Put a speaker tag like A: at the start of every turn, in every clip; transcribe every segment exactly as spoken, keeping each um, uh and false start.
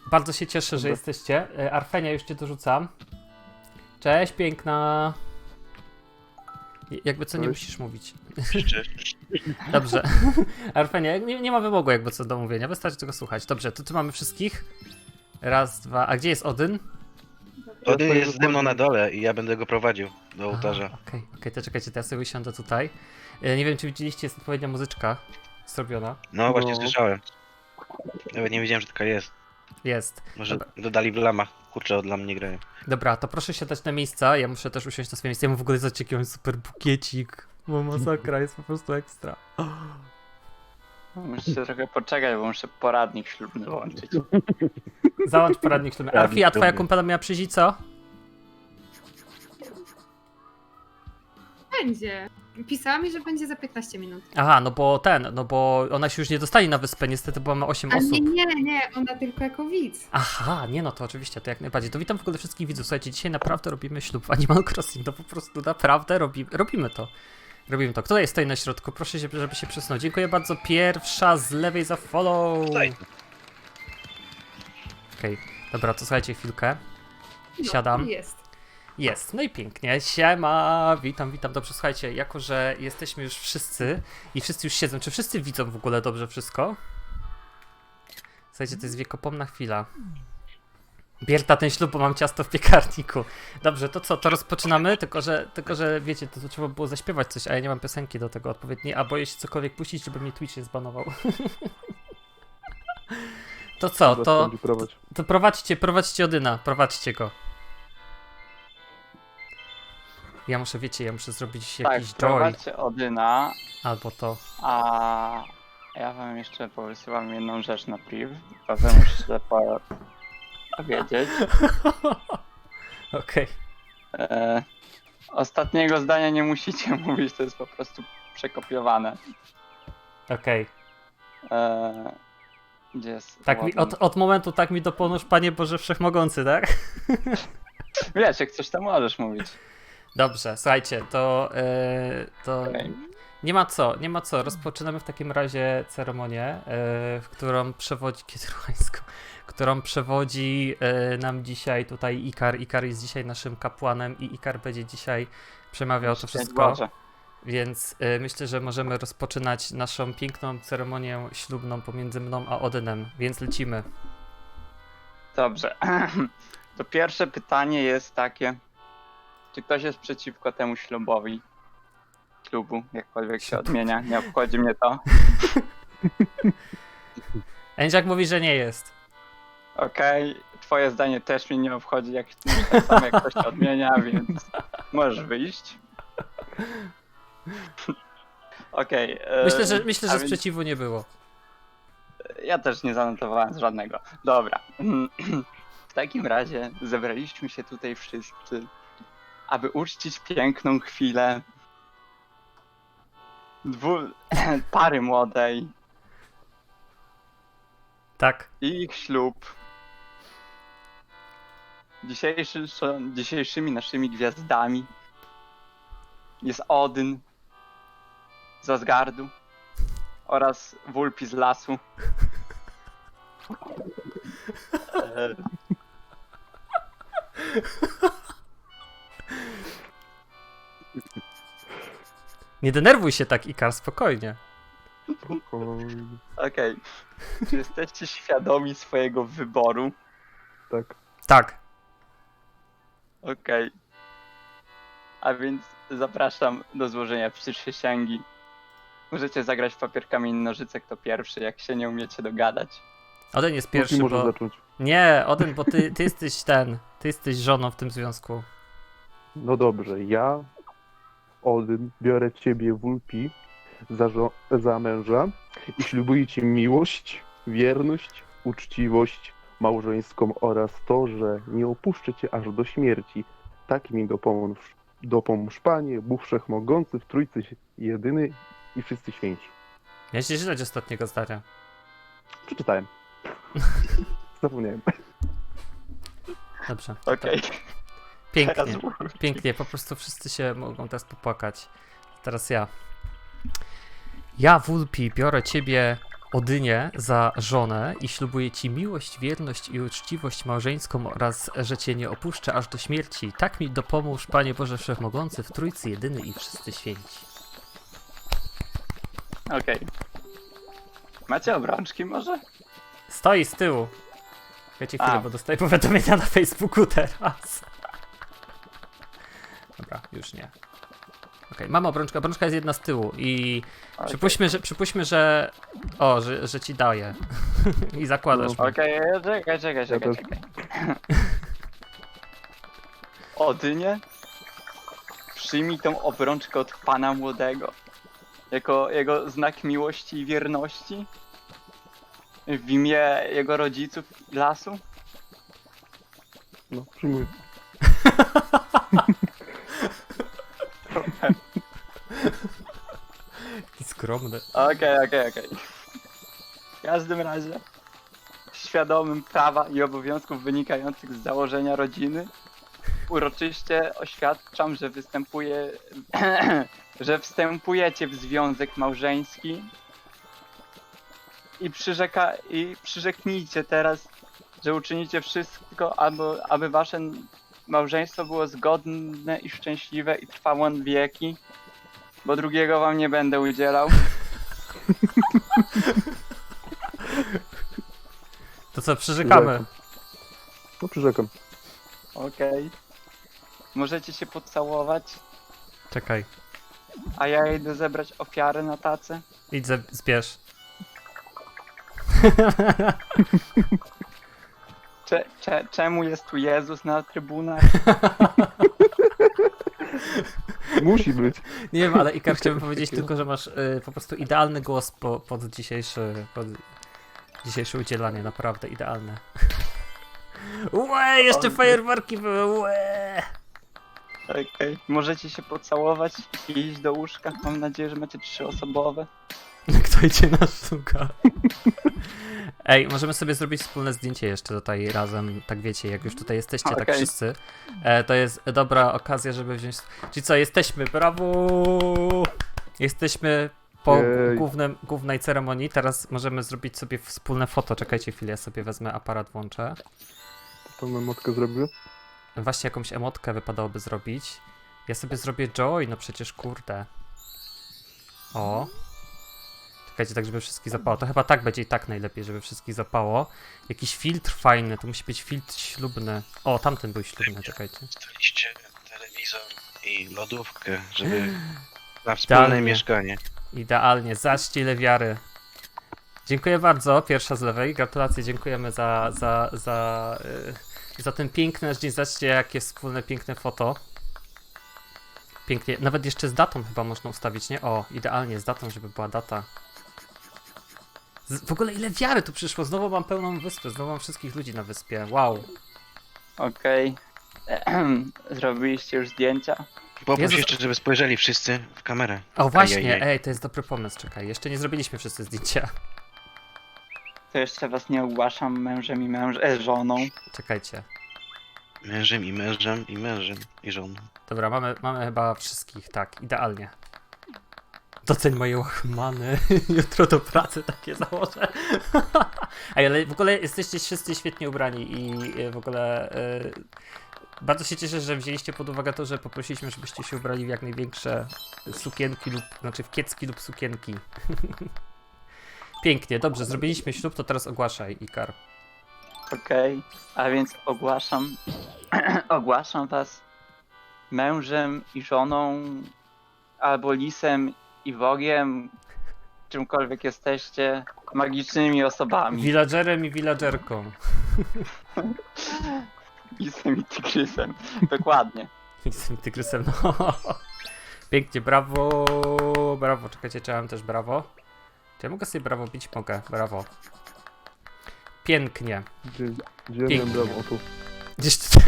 A: Bardzo się cieszę, że jesteście. Arfenia już cię dorzucam. Cześć, piękna. Jakby co, nie
B: Cześć.
A: musisz mówić.
C: Cześć.
A: Dobrze. Arfenia, nie, nie ma wymogu jakby co do mówienia, wystarczy tego słuchać. Dobrze, to tu mamy wszystkich. Raz, dwa. A gdzie jest Odyn?
C: Odyn jest ze mną na dole i ja będę go prowadził do ołtarza.
A: Okej, okej, okay, to czekajcie, to ja sobie usiądę tutaj. E, nie wiem, czy widzieliście, jest odpowiednia muzyczka zrobiona.
C: No właśnie
B: No.
C: słyszałem. Nawet nie wiedziałem, że taka jest.
A: Jest.
C: Może
A: Dobra.
C: dodali w lamach. Kurczę, od lam nie grają.
A: Dobra, to proszę siadać na miejsca, ja muszę też usiąść na swoje miejsce. Ja mam w ogóle zobaczcie, jaki mam super bukiecik. Bo masakra, jest po prostu ekstra.
D: Muszę trochę poczekać, bo muszę poradnik ślubny włączyć.
A: Załącz poradnik ślubny. Arfi, a twoja kumpela miała przyjść co?
E: Będzie. Pisała mi, że będzie za piętnaście minut.
A: Aha, no bo ten, no bo ona się już nie dostanie na wyspę, niestety, bo mamy osiem
E: A
A: osób.
E: nie, nie, nie, ona tylko jako widz.
A: Aha, nie no to oczywiście, to jak najbardziej. To witam w ogóle wszystkich widzów. Słuchajcie, dzisiaj naprawdę robimy ślub w Animal Crossing, to po prostu naprawdę robi, robimy to. Robimy to. Kto jest stoi na środku? Proszę, się, żeby się przesunął. Dziękuję bardzo. Pierwsza z lewej za follow.
C: Tutaj.
A: Okej, okay. Dobra, to słuchajcie chwilkę. Siadam.
E: No, jest.
A: Jest, no i pięknie. Siema, witam, witam. Dobrze, słuchajcie, jako że jesteśmy już wszyscy i wszyscy już siedzą, czy wszyscy widzą w ogóle dobrze wszystko? Słuchajcie, to jest wiekopomna chwila. Bierta ten ślub, bo mam ciasto w piekarniku. Dobrze, to co, to rozpoczynamy? Tylko, że, tylko, że wiecie, to, to trzeba było zaśpiewać coś, a ja nie mam piosenki do tego odpowiedniej, a boję się cokolwiek puścić, żeby mnie Twitch nie zbanował. To co, to, to, to prowadźcie, prowadźcie Odyna, prowadźcie go. Ja muszę, wiecie, ja muszę zrobić
D: Tak,
A: jakiś joy,
D: prowadźcie Odyna,
A: albo to.
D: a ja wam jeszcze powysyłam jedną rzecz na priv, potem muszę po- powiedzieć.
A: Okej.
D: E, ostatniego zdania nie musicie mówić, to jest po prostu przekopiowane.
A: Okej.
D: E, gdzie jest
A: Tak mi,
D: Odyn?
A: od, od momentu tak mi dopomóż, Panie Boże Wszechmogący, tak?
D: Wiesz, jak coś tam możesz mówić.
A: Dobrze, słuchajcie, to, yy, to
D: Okej.
A: nie ma co, nie ma co. Rozpoczynamy w takim razie ceremonię, yy, w którą przewodzi, kiedyruańską, którą przewodzi yy, nam dzisiaj tutaj Ikar. Ikar jest dzisiaj naszym kapłanem i Ikar będzie dzisiaj przemawiał to
D: Szczęść
A: wszystko.
D: Boże.
A: Więc y, myślę, że możemy rozpoczynać naszą piękną ceremonię ślubną pomiędzy mną a Odynem, więc lecimy.
D: Dobrze. To pierwsze pytanie jest takie, czy ktoś jest przeciwko temu ślubowi? Ślubu, jakkolwiek się odmienia, nie obchodzi mnie to.
A: Ędziak mówi, że nie jest.
D: Okej, twoje zdanie też mnie nie obchodzi, jak tak samo jak ktoś się odmienia, więc możesz wyjść. Okej. e,
A: Myślę, że, myślę,
D: a
A: że
D: więc
A: sprzeciwu nie było.
D: Ja też nie zanotowałem żadnego. Dobra. W takim razie zebraliśmy się tutaj wszyscy, aby uczcić piękną chwilę dwu... pary młodej
A: Tak.
D: i ich ślub. Dzisiejszy, dzisiejszymi naszymi gwiazdami jest Odyn z Asgardu oraz Wulpi z lasu. E,
A: Nie denerwuj się tak, Ikar, spokojnie.
B: Spokojnie.
D: Okej. Czy jesteście świadomi swojego wyboru?
B: Tak.
A: Tak.
D: Okej. A więc zapraszam do złożenia przysięgi. Możecie zagrać w papier, kamień, nożyce, kto pierwszy, jak się nie umiecie dogadać.
A: Odyn jest pierwszy,
B: Pierwszy może
A: bo...
B: zacząć.
A: Nie, Odyn, bo ty, ty jesteś ten, ty jesteś żoną w tym związku.
B: No dobrze, ja, Odyn, biorę ciebie, Wulpi, za, żo- za męża i ślubuję ci miłość, wierność, uczciwość małżeńską oraz to, że nie opuszczę cię aż do śmierci. Tak mi dopomóż, dopomóż Panie, Bóg Wszechmogący, w Trójcy jedyny i wszyscy święci.
A: Ja się źle ostatniego zdania.
B: Przeczytałem. Zapomniałem.
A: Dobrze.
D: Okej.
A: Pięknie,
D: Teraz
A: pięknie, po prostu wszyscy się mogą teraz popłakać. Teraz ja. Ja, Wulpi, biorę ciebie, Odynie za żonę i ślubuję ci miłość, wierność i uczciwość małżeńską oraz, że cię nie opuszczę aż do śmierci. Tak mi dopomóż, Panie Boże Wszechmogący, w Trójcy jedyny i wszyscy święci.
D: Okej. Macie obrączki może?
A: Stoi z tyłu. Wiecie chwilę,
D: A.
A: bo dostaję powiadomienia na Facebooku teraz. Dobra, już nie. Okej, mam obrączkę. Obrączka jest jedna z tyłu i
D: Okej.
A: przypuśćmy, że, przypuśćmy, że... O, że, że ci daję. I zakładasz.
B: No.
A: mi.
D: Okej, czekaj, czekaj, czekaj,
B: też.
D: czekaj. Odynie, przyjmij tą obrączkę od pana młodego. Jako jego znak miłości i wierności. W imię jego rodziców i lasu.
B: No, przyjmuję.
A: Taki skromny.
D: Okej, okej, okej. W każdym razie, świadomym prawa i obowiązków wynikających z założenia rodziny, uroczyście oświadczam, że występuje, że wstępujecie w związek małżeński i, przyrzeka, i przyrzeknijcie teraz, że uczynicie wszystko, aby, aby wasze małżeństwo było zgodne i szczęśliwe i trwało na wieki, bo drugiego wam nie będę udzielał.
A: To co, przyrzekamy?
B: No, przyrzekam.
D: Okej. Możecie się pocałować,
A: Czekaj.
D: a ja idę zebrać ofiary na tacę.
A: Idź, ze- zbierz.
D: Cze, cze, czemu jest tu Jezus na trybunach?
B: Musi być.
A: Nie wiem, ale Ikar, chciałbym powiedzieć tylko, że masz y, po prostu idealny głos po, pod dzisiejszy, pod dzisiejsze udzielanie, naprawdę idealne. Łe, jeszcze
D: O,
A: fajerwerki były, łe.
D: Okej. Możecie się pocałować i iść do łóżka. Mam nadzieję, że macie trzyosobowe.
A: Kto idzie na sztuka? Ej, możemy sobie zrobić wspólne zdjęcie jeszcze tutaj razem, tak wiecie, jak już tutaj jesteście, tak
D: Okej.
A: wszyscy. E, to jest dobra okazja, żeby wziąć... Czyli co, jesteśmy, brawo! Jesteśmy po
B: Jej.
A: głównym, głównej ceremonii, teraz możemy zrobić sobie wspólne foto. Czekajcie chwilę, ja sobie wezmę aparat, włączę.
B: To memotkę zrobię.
A: Właśnie jakąś emotkę wypadałoby zrobić. Ja sobie zrobię joy, no przecież kurde. O. Czekajcie, tak żeby wszystkich zapało. To chyba tak będzie i tak najlepiej, żeby wszystkich zapało. Jakiś filtr fajny, to musi być filtr ślubny. O, tamten był ślubny, czekajcie.
C: Dostaliście telewizor i lodówkę, żeby na wspólne
A: Idealnie.
C: mieszkanie.
A: Idealnie, zaczcie ile wiary. Dziękuję bardzo, pierwsza z lewej. Gratulacje, dziękujemy za, za, za, yy, za ten piękny dzień. Zobaczcie, jakie wspólne, piękne foto. Pięknie, nawet jeszcze z datą chyba można ustawić, nie? O, idealnie, z datą, żeby była data. Z, w ogóle ile wiary tu przyszło, znowu mam pełną wyspę, znowu mam wszystkich ludzi na wyspie, wow.
D: Okej. Zrobiliście już zdjęcia?
C: Poproś
A: Jezus.
C: jeszcze, żeby spojrzeli wszyscy w kamerę.
A: O właśnie,
C: Ajajaj.
A: ej, to jest dobry pomysł, czekaj, jeszcze nie zrobiliśmy wszyscy zdjęcia.
D: To jeszcze was nie ogłaszam mężem i męż... E, żoną.
A: Czekajcie.
C: Mężem i mężem i mężem i żoną.
A: Dobra, mamy, mamy chyba wszystkich, tak, idealnie. Doceń moje łachmany, jutro do pracy takie założę. Ej, ale w ogóle jesteście wszyscy świetnie ubrani i y, w ogóle y, bardzo się cieszę, że wzięliście pod uwagę to, że poprosiliśmy, żebyście się ubrali w jak największe sukienki lub, znaczy w kiecki lub sukienki. Pięknie, dobrze, zrobiliśmy ślub, to teraz ogłaszaj, Ikar.
D: Okej. A więc ogłaszam... ogłaszam was mężem i żoną, albo lisem i wogiem, czymkolwiek jesteście, magicznymi osobami.
A: Villagerem i villagerką.
D: Lisem i tygrysem. Dokładnie.
A: Z tym tygrysem, no. Pięknie, brawo, brawo. Czekajcie, czy ja mam też brawo? Czy ja mogę sobie brawo bić? Mogę, brawo. Pięknie.
B: Gdzie, gdzie
A: Pięknie.
B: miałem brawo? O, tu.
A: Gdzieś tu...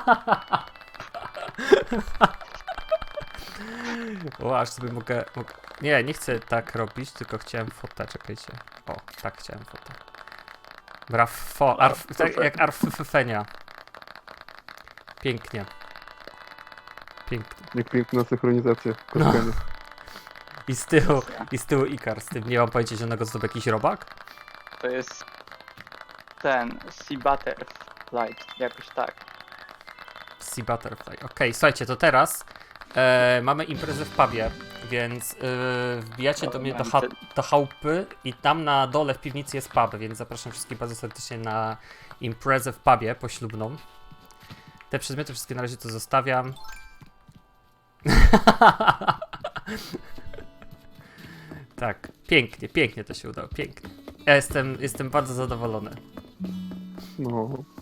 A: O, aż sobie mogę, mogę... Nie, nie chcę tak robić, tylko chciałem fotę, czekajcie. O, tak chciałem fotę. Brawo, arf, tak jak arfefenia. Pięknie. Pięknie.
B: Jak piękna synchronizacja.
A: No.
B: Kochanie.
A: I z tyłu, i z tyłu Ikar, z tym nie mam pojęcia zielonego, co to był jakiś robak?
D: to jest ten Sea Butterfly, jakoś tak.
A: Sea Butterfly. Okej, słuchajcie, to teraz e, mamy imprezę w pubie, więc e, wbijacie do mnie do, cha do chałupy i tam na dole w piwnicy jest pub, więc zapraszam wszystkich bardzo serdecznie na imprezę w pubie poślubną. Te przedmioty wszystkie na razie to zostawiam. Tak, pięknie, pięknie to się udało, pięknie. Ja jestem, jestem bardzo zadowolony.
B: No.